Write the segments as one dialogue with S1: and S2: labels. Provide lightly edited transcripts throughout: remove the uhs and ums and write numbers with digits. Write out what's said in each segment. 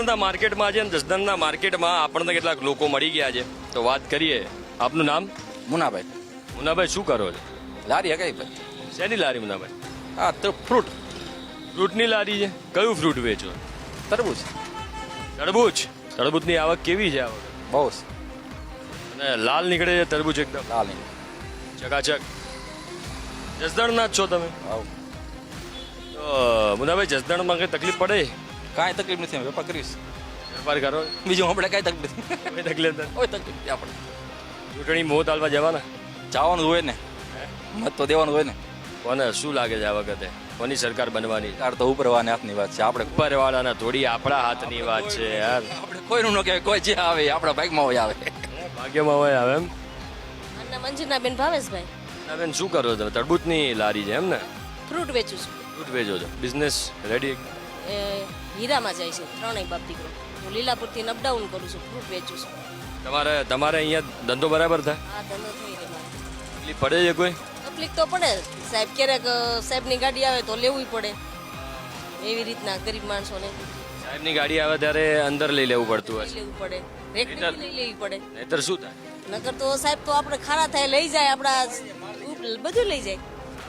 S1: જસદણના માર્કેટમાં છે ને જસદણના માર્કેટમાં આપણને કેટલાક લોકો મળી ગયા છે તો વાત કરીએ. આપનું નામ?
S2: મુનાભાઈ.
S1: મુનાભાઈ શું કરો છો?
S2: લારી કઈ ભાઈ?
S1: શેની લારી મુનાભાઈ?
S2: હા તો ફ્રૂટ.
S1: ફ્રૂટની લારી છે. કયું ફ્રૂટ વેચો?
S2: તરબૂચ.
S1: તરબૂચ. તરબૂચની આવક કેવી છે આ વખતે?
S2: બહુ
S1: અને લાલ નીકળે છે તરબૂચ એકદમ
S2: લાલ નહીં.
S1: ચકાચક. જસદણના જ છો તમે?
S2: આવું
S1: તો મુનાભાઈ જસદણમાં કઈ તકલીફ પડે?
S2: કાંઈ તકલીફ નથી, અમે વેપાર કરીશ.
S1: વેપાર કરો?
S2: બીજું આપણે કાંઈ તકલીફ નથી.
S1: કોઈ તકલીફ નથી.
S2: કોઈ તકલીફ નથી આપણે.
S1: ચૂંટણી મોત આલવા જવાના?
S2: જવાનું હોય ને, મત તો દેવાનું હોય ને.
S1: કોને શું લાગે છે આ વખતે કોની સરકાર બનવાની?
S2: તાર તો ઉપરવાને હાથની વાત છે. આપણે
S1: ઉપરવાળાના થોડી આપણા હાથની વાત છે યાર.
S2: આપણે કોઈનું ન કહેવાય, કોઈ જે આવે એ આપણા ભાગમાં હોય આવે.
S1: ભાગ્યમાં હોય આવે એમ.
S3: અને મંજુનાબેન ભાવેશભાઈ.
S1: બેન શું કરો તમે? તરબૂચની લારી છે એમ ને?
S3: ફ્રૂટ વેચું છું.
S1: ફ્રૂટ વેચો છો? Business ready?
S3: એ હીરામાં જાય છે ત્રણેય બાપ દીકરો. હું લીલાપુરથી અપડાઉન કરું છું, ફ્રૂટ વેચું છું.
S1: તમારે અહીંયા ધંધો બરાબર થાય?
S3: આ ધંધો થઈ રહ્યો મારે.
S1: તકલીફ પડે છે કોઈ?
S3: તકલીફ તો પડે સાહેબ, ક્યારેક સાહેબની ગાડી આવે તો લેવું પડે. એવી રીતના ગરીબ માણસોને
S1: સાહેબની ગાડી આવે ત્યારે અંદર લઈ લેવું પડતું હશે.
S3: લેવું પડે, રેકડી લઈ લેવી પડે.
S1: નહીતર શું થાય?
S3: નકર તો સાહેબ તો આપણે ખારા થાય લઈ જાય, આપણા બધું લઈ જાય.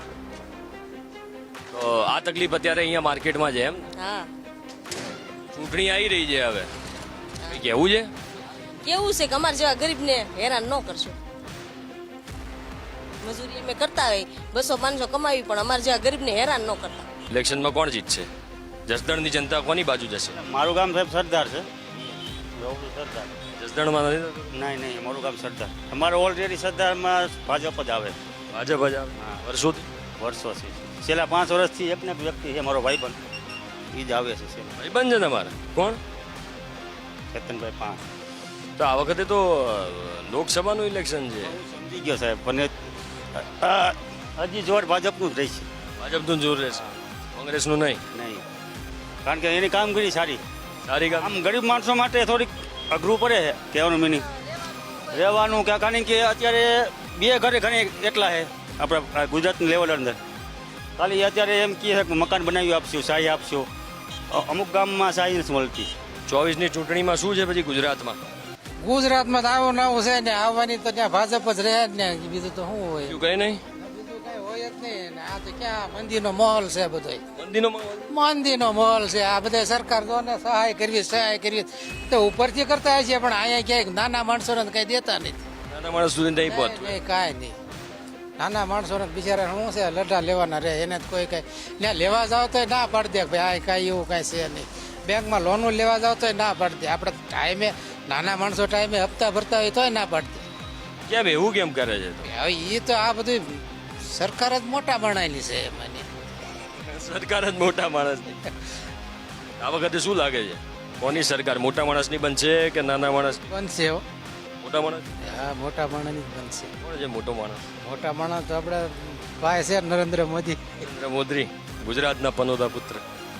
S1: તો આ તકલીફ અત્યારે અહીંયા માર્કેટમાં છે એમ?
S3: હા.
S1: ચૂંટણી આવી રહી છે હવે, કંઈ કહેવું છે?
S3: કેવું છે કે અમારા જેવા ગરીબને હેરાન ન કરશો. મજૂરી અમે કરતા હોય 200-500 કમાવી, પણ અમારા જેવા ગરીબને હેરાન ન કરતા.
S1: ઇલેક્શનમાં કોણ જીતશે? જસદણની જનતા કોની બાજુ જશે?
S4: મારું ગામ સાહેબ સરદાર છે. સરદાર
S1: જસદણમાં નથી થતું?
S4: નહીં, મારું ગામ સરદાર. અમારે ઓલરેડી સરદારમાં ભાજપ જ આવે.
S1: ભાજપ જ આવે વર્ષોથી?
S4: વર્ષોથી છેલ્લા 5 વર્ષથી એકને એક વ્યક્તિ છે મારો ભાઈબંધ, એ જ આવે છે.
S1: ભાઈબંધ છે તમારે? કોણ?
S4: ચેતનભાઈ પાંચ.
S1: તો આ વખતે તો લોકસભાનું ઇલેક્શન છે.
S4: સમજી ગયો સાહેબ, પણ હજી જોર ભાજપનું જ રહેશે.
S1: ભાજપનું જોર રહેશે, કોંગ્રેસનું નહીં?
S4: નહીં, કારણ કે એની કામગીરી સારી.
S1: સારી કામ.
S4: આમ ગરીબ માણસો માટે થોડીક અઘરું પડે છે કહેવાનું મિનિંગ. રહેવાનું કે કારણ કે અત્યારે બે ઘરે ઘણી એટલા છે આપણા ગુજરાતની લેવલ અંદર. ખાલી અત્યારે એમ કહે છે કે મકાન બનાવી આપશું, સહાય આપશું. અમુક ગામમાં સહાય નથી મળતી.
S1: 24ની ચૂંટણીમાં શું છે પછી ગુજરાતમાં?
S5: ગુજરાતમાં તો આવું નવું છે ને, આવવાની તો ત્યાં ભાજપ જ રહે જ ને, બીજું તો શું હોય?
S1: શું કઈ નહીં?
S5: બીજું કઈ હોય જ નહીં ને. આ તો ક્યાં મંદિરનો માહોલ છે બધો,
S1: મંદીનો માહોલ?
S5: મંદિરનો માહોલ છે. આ બધા સરકાર તો ને સહાય કરવી તો ઉપરથી કરતા હોય છે, પણ અહીંયા ક્યાંય નાના માણસોને કઈ દેતા નથી.
S1: નાના માણસ સુધી નહીં પહોંચતું.
S5: કાંઈ નહીં. નાના માણસોને બિચારા શું છે, લડા લેવાના રહે. એને જ કોઈ કઈ ત્યાં લેવા જાવ તો ના પાડી દે ભાઈ, આ કાંઈ એવું કાંઈ છે નહીં. બેંકમાં લોનો લેવા જાવ તો ના પાડી દે. આપણે ટાઈમે નાના માણસો ટાઈમે હપ્તા ભરતા હોય તોય ના પાડી દે.
S1: કેમ એવું કેમ કરે છે?
S5: હવે એ તો આ બધું સરકાર જ મોટા બનાવેલી છે મને.
S1: સરકાર જ મોટા માણસની. આ વખતે શું લાગે છે કોની સરકાર મોટા માણસની બનશે કે નાના માણસ?
S5: બનશે હો.
S1: મોટા માણસ?
S5: હા, મોટા માણસની જ બનશે.
S1: કોણ છે મોટો માણસ?
S5: મોટા માણસ તો આપણે ભાઈ છે નરેન્દ્ર મોદી.
S1: નરેન્દ્ર મોદી, ગુજરાતના પનોતા પુત્ર.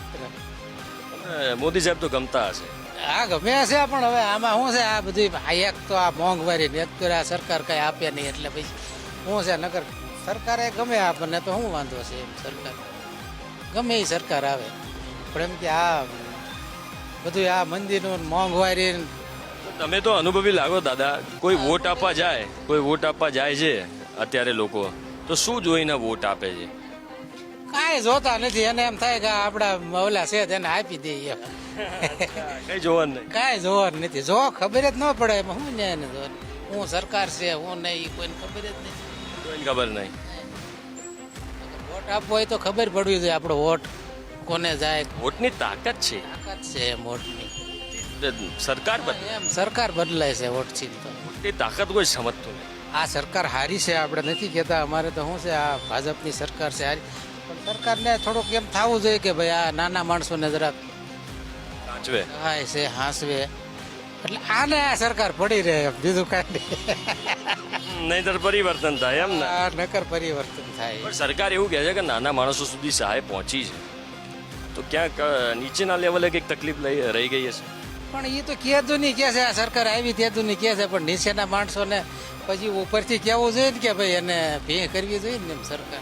S1: મોદી સાહેબ તો ગમતા હશે.
S5: હા, ગમે છે, પણ હવે આમાં શું છે, આ બધું એક તો આ મોંઘવારી ને એક તો આ સરકાર કઈ આપે નહીં, એટલે પછી શું છે, નકર સરકારે ગમે આપણને તો શું વાંધો છે એમ. સરકાર ગમે એ સરકાર આવે, પણ એમ કે આ બધું આ મંદિરનું મોંઘવારી.
S1: તમે તો અનુભવી લાગો દાદા. કોઈ વોટ આપવા જાય છે અત્યારે લોકો, તો શું જોઈને વોટ આપે છે?
S5: કાંઈ જોતા નથી. એને એમ થાય કે આપણા ઓલા છે તેને આપી દઈએ.
S1: કઈ જોવાનું નહીં.
S5: કાંઈ જોવાનું નથી. જો ખબર જ ન પડે એમાં શું ને એને જોવાનું. હું સરકાર છે હું નહીં, કોઈને ખબર જ નથી.
S1: કોઈને ખબર નહીં.
S5: વોટ આપવો હોય તો ખબર પડવી જોઈએ આપણો વોટ કોને જાય.
S1: વોટની તાકાત છે.
S5: તાકાત છે એમ વોટની.
S1: સરકાર બદલે
S5: એમ સરકાર બદલાય છે વોટથી તો.
S1: વોટની તાકાત કોઈ સમજતું નહીં.
S5: આ સરકાર હારી છે, આપણે નથી કહેતા. અમારે તો શું છે, આ ભાજપની સરકાર છે હારી, પણ સરકારને થોડુંક એમ થવું જોઈએ કે ભાઈ આ નાના માણસોને જરાક
S1: સાચવે
S5: સહાય છે, હાંસવે. એટલે આને આ સરકાર પડી રહે, બીજું કાંઈ નહીં.
S1: નહીતર પરિવર્તન થાય એમ ને?
S5: આ નકર પરિવર્તન થાય.
S1: પણ સરકાર એવું કહે છે કે નાના માણસો સુધી સહાય પહોંચી છે, તો ક્યાંક નીચેના લેવલે કંઈક તકલીફ રહી ગઈ હશે.
S5: પણ એ તો કહેતું નહીં કે છે, આ સરકાર આવી તેતું નહીં કે છે, પણ નીચેના માણસોને પછી ઉપરથી કહેવું જોઈએ ને કે ભાઈ એને ભે કરવી જોઈએ ને એમ સરકાર.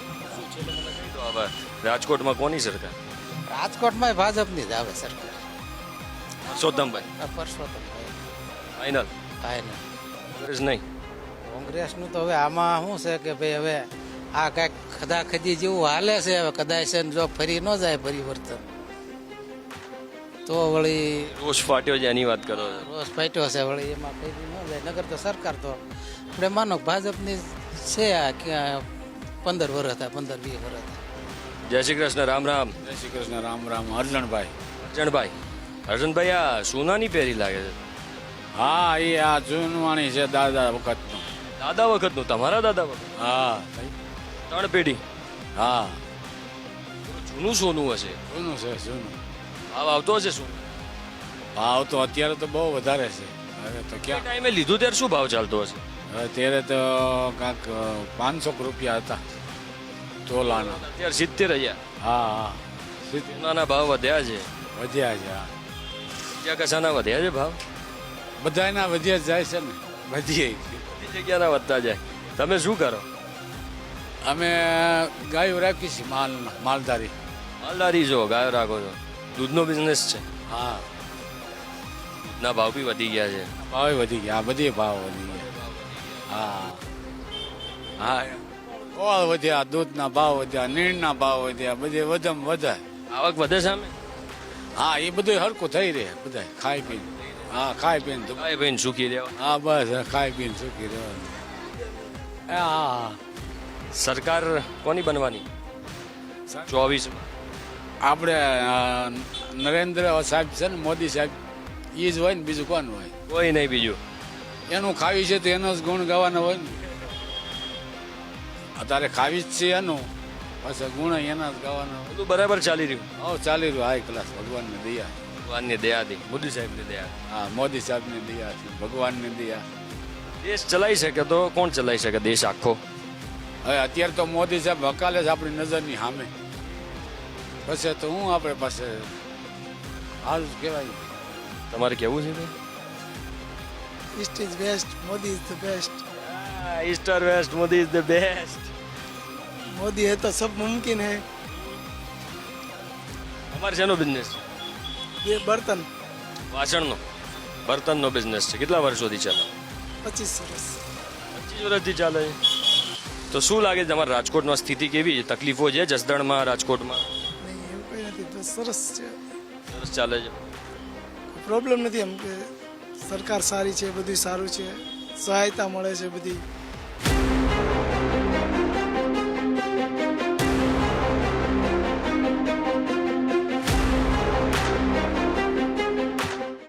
S1: તો હવે રાજકોટમાં કોની સરકાર?
S5: રાજકોટમાં ભાજપની જ આવે સરકાર.
S1: પરસોત્તમભાઈ
S5: આ પરસોત્તમભાઈ
S1: ફાઇનલ
S5: થાય ને
S1: કોંગ્રેસ નહીં.
S5: કોંગ્રેસનું તો હવે આમાં શું છે કે ભાઈ હવે આ કાંઈક ખદાખદી જેવું હાલે છે હવે કદાચ છે ને જો ફરી ન જાય પરિવર્તન તો વળી
S1: રોષ ફાટ્યો છે એની વાત કરો છો.
S5: રોષ ફાટ્યો છે વળી એમાં ફરી ન જાય નગર તો સરકાર તો આપણે માનો કે ભાજપની છે આ 15 વર્ષ હતા 15-20 વર્ષ હતા.
S1: જય શ્રી કૃષ્ણ, રામ રામ.
S6: જય શ્રી કૃષ્ણ, રામ રામ. અર્જણભાઈ.
S1: અર્જણભાઈ, અર્જણભાઈ આ સોનાની પહેરી લાગે છે.
S6: હા, એ આ જૂનવાણી છે દાદા વખતનું.
S1: દાદા વખતનું, તમારા દાદા વખત?
S6: હા
S1: 3 પેઢી.
S6: હા,
S1: જૂનું સોનું હશે.
S6: જૂનું છે જૂનું.
S1: ભાવ આવતો હશે શું?
S6: ભાવ તો અત્યારે તો બહુ વધારે છે. હવે તો
S1: એ
S6: ક્યાં,
S1: ટાઈમે લીધું ત્યારે શું ભાવ ચાલતો હશે?
S6: હવે ત્યારે તો કાંક 500 રૂપિયા હતા તોલાના.
S1: અત્યારે 70,000.
S6: હા હા, સીધી
S1: સોનાના ભાવ વધ્યા છે.
S6: વધ્યા છે. હા,
S1: બીજા કશાના વધ્યા છે ભાવ?
S6: બધાયના વધ્યા જ જાય છે ને, વધીએ.
S1: બધી જગ્યાના વધતા જાય. તમે શું કરો?
S6: અમે ગાયો રાખી છીએ, માલધારી.
S1: માલદારી છો, ગાયો રાખો છો, દૂધનો બિઝનેસ છે.
S6: હા,
S1: દૂધના ભાવ બી વધી ગયા છે.
S6: ભાવ વધી ગયા, બધી ભાવ વધી ગયા. હા હા, ઓળ વધ્યા, દૂધના ભાવ વધ્યા, નીણના ભાવ વધ્યા, બધે વધમ વધાય.
S1: આવક વધે સામે?
S6: હા, એ બધું હરખું થઈ રહે, બધા ખાઈ પીને. હા, ખાઈ પીને તો.
S1: ભાઈ ભાઈને સુખી રહેવા.
S6: હા, બસ ખાઈ પીને સુખી રહેવાનું. હા હા,
S1: સરકાર કોની બનવાની 24?
S6: આપણે નરેન્દ્ર સાહેબ છે ને, મોદી સાહેબ, એ જ હોય ને, બીજું કોણ હોય?
S1: કોઈ નહીં બીજું.
S6: એનું ખાવી છે તો એનો જ ગુણ ગાવાનો હોય ને. અત્યારે ખાવી જ છે એનું, પાછા ગુણ એના જ ગાવાના હોય.
S1: બધું બરાબર ચાલી રહ્યું
S6: હવે ચાલી રહ્યું હાઈ ક્લાસ, ભગવાનની દયા.
S1: ભગવાનની દયાથી, મોદી સાહેબની દયા.
S6: હા, મોદી સાહેબની દયાથી, ભગવાનની દયા.
S1: દેશ ચલાવી શકે તો કોણ ચલાવી શકે દેશ આખો?
S6: હવે અત્યારે તો મોદી સાહેબ હકાલે છે આપણી નજરની સામે. પછી તો હું આપણે પાસે હાલ કહેવાય.
S1: તમારે કેવું છે ભાઈ?
S7: East is best, Modi is the best.
S1: East or west, Modi is the best.
S7: Modi है तो सब मुमकिन है.
S1: અમારે શેનો બિઝનેસ?
S7: ये बर्तन
S1: વાસણનો, બર્તનનો બિઝનેસ છે. કેટલા વર્ષોથી ચાલે?
S7: 25 વર્ષ.
S1: 25 વર્ષથી ચાલે છે. તો શું લાગે છે તમારા રાજકોટમાં સ્થિતિ કેવી છે? તકલીફો છે જસદણમાં, રાજકોટમાં?
S7: નહીં એવું કંઈ નથી, બસ સરસ છે,
S1: સરસ ચાલે છે.
S7: પ્રોબ્લેમ નથી. એમ કે સરકાર સારી છે, બધું સારું છે, સહાયતા મળે છે બધી.